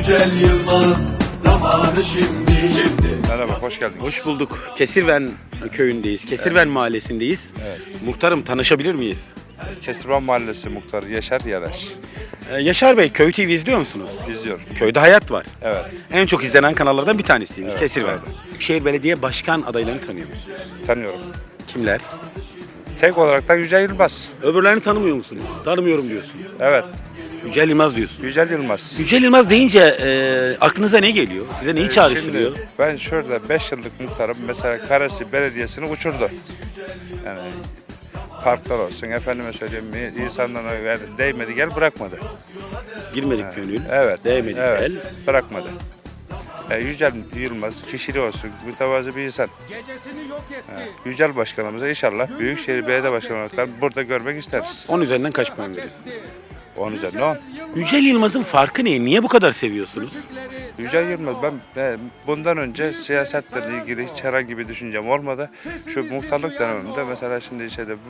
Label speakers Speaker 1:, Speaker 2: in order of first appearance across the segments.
Speaker 1: Yücel Yılmaz, zamanı şimdi.
Speaker 2: Merhaba, hoş geldiniz.
Speaker 3: Hoş bulduk. Kesirven köyündeyiz. Kesirven mahallesindeyiz.
Speaker 2: Evet.
Speaker 3: Muhtarım, tanışabilir miyiz?
Speaker 2: Kesirvan Mahallesi Muhtarı Yaşar Yaraş.
Speaker 3: Yaşar Bey, Köy TV izliyor musunuz?
Speaker 2: İzliyor.
Speaker 3: Köyde hayat var.
Speaker 2: Evet,
Speaker 3: En çok izlenen kanallardan bir tanesiymiş
Speaker 2: Evet,
Speaker 3: Kesirven. Şehir Belediye Başkan adaylarını tanıyor musunuz?
Speaker 2: tanıyorum.
Speaker 3: Kimler?
Speaker 2: Tek olarak da Yücel Yılmaz.
Speaker 3: Öbürlerini tanımıyor musunuz? Tanımıyorum diyorsun.
Speaker 2: Evet,
Speaker 3: Yücel Yılmaz diyorsun.
Speaker 2: Yücel Yılmaz.
Speaker 3: Yücel Yılmaz deyince aklınıza ne geliyor? Size neyi çağrıştırıyor?
Speaker 2: Şimdi ben şurada 5 yıllık muhtarım. Mesela Karasi Belediyesi'ni uçurdu. Yani parklar olsun, efendime söyleyeyim, insanlara değmedi gel bırakmadı.
Speaker 3: Girmedik gönül.
Speaker 2: Evet,
Speaker 3: Değmedik
Speaker 2: evet,
Speaker 3: el.
Speaker 2: bırakmadı. Yücel Yılmaz kişiliği olsun, mütevazı bir insan. Yücel Başkanımıza inşallah Büyükşehir Belediye Başkanı olarak burada görmek isteriz.
Speaker 3: 10 üzerinden kaç puan verirsiniz?
Speaker 2: 10 üzerine 10.
Speaker 3: Yücel Yılmaz'ın farkı ne? Niye bu kadar seviyorsunuz?
Speaker 2: Yücel Yılmaz, ben bundan önce siyasetle ilgili hiç herhangi bir düşüncem olmadı. Şu muhtarlık döneminde mesela şimdi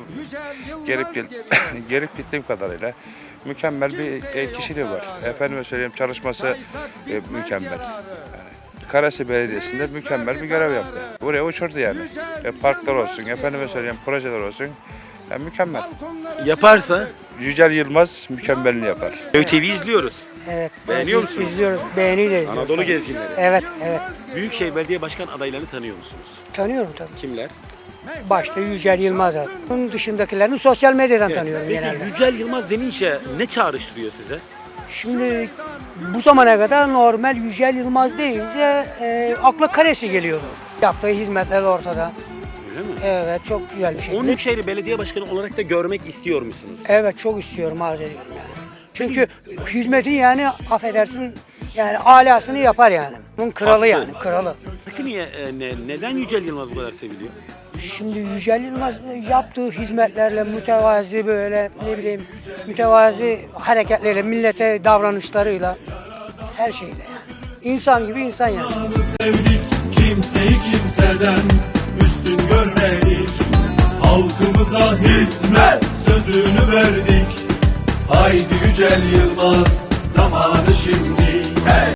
Speaker 2: gelip gittiğim kadarıyla mükemmel bir kişiliği var. Efendime söyleyeyim, çalışması mükemmel. Yani, Karasi Belediyesi'nde mükemmel bir görev yaptı. Buraya uçurdu yani. Parklar olsun, efendime söyleyeyim, projeler olsun. Yani mükemmel.
Speaker 3: Yaparsa
Speaker 2: Yücel Yılmaz mükemmelini yapar.
Speaker 3: Köy TV izliyoruz.
Speaker 4: Evet.
Speaker 3: Beğeniyor musunuz?
Speaker 4: İzliyoruz. Beğeniyle izliyoruz.
Speaker 3: Anadolu gezginleri.
Speaker 4: Evet, evet.
Speaker 3: Büyükşehir Belediye Başkan adaylarını tanıyor musunuz?
Speaker 4: Tanıyorum tabii.
Speaker 3: Kimler?
Speaker 4: Başta Yücel Yılmaz'ı. Bunun dışındakilerini sosyal medyadan tanıyorum
Speaker 3: Peki
Speaker 4: genelde.
Speaker 3: Yücel Yılmaz denince ne çağrıştırıyor size?
Speaker 4: Şimdi bu zamana kadar normal Yücel Yılmaz deyince akla Karesi geliyordu. Yaptığı hizmetler ortada.
Speaker 3: Öyle mi?
Speaker 4: Evet, çok güzel bir şey.
Speaker 3: Onu Büyükşehir Belediye Başkanı olarak da görmek istiyor musunuz?
Speaker 4: Evet, çok istiyorum, arz ediyorum yani. Çünkü hizmetin yani affedersin yani alasını yapar yani. Bunun kralı
Speaker 3: Hastı.
Speaker 4: yani, kralı.
Speaker 3: Peki niye, neden Yücel Yılmaz bu kadar seviliyor?
Speaker 4: Şimdi Yücel Yılmaz yaptığı hizmetlerle mütevazi böyle ne bileyim mütevazi hareketleriyle, millete davranışlarıyla her şeyle yani. İnsan gibi insan yani.
Speaker 1: Sevdik, kimseyi kimseden üstün görmedik. Halkımıza hizmet sözünü verdik. Haydi Yücel Yılmaz, zamanı şimdi.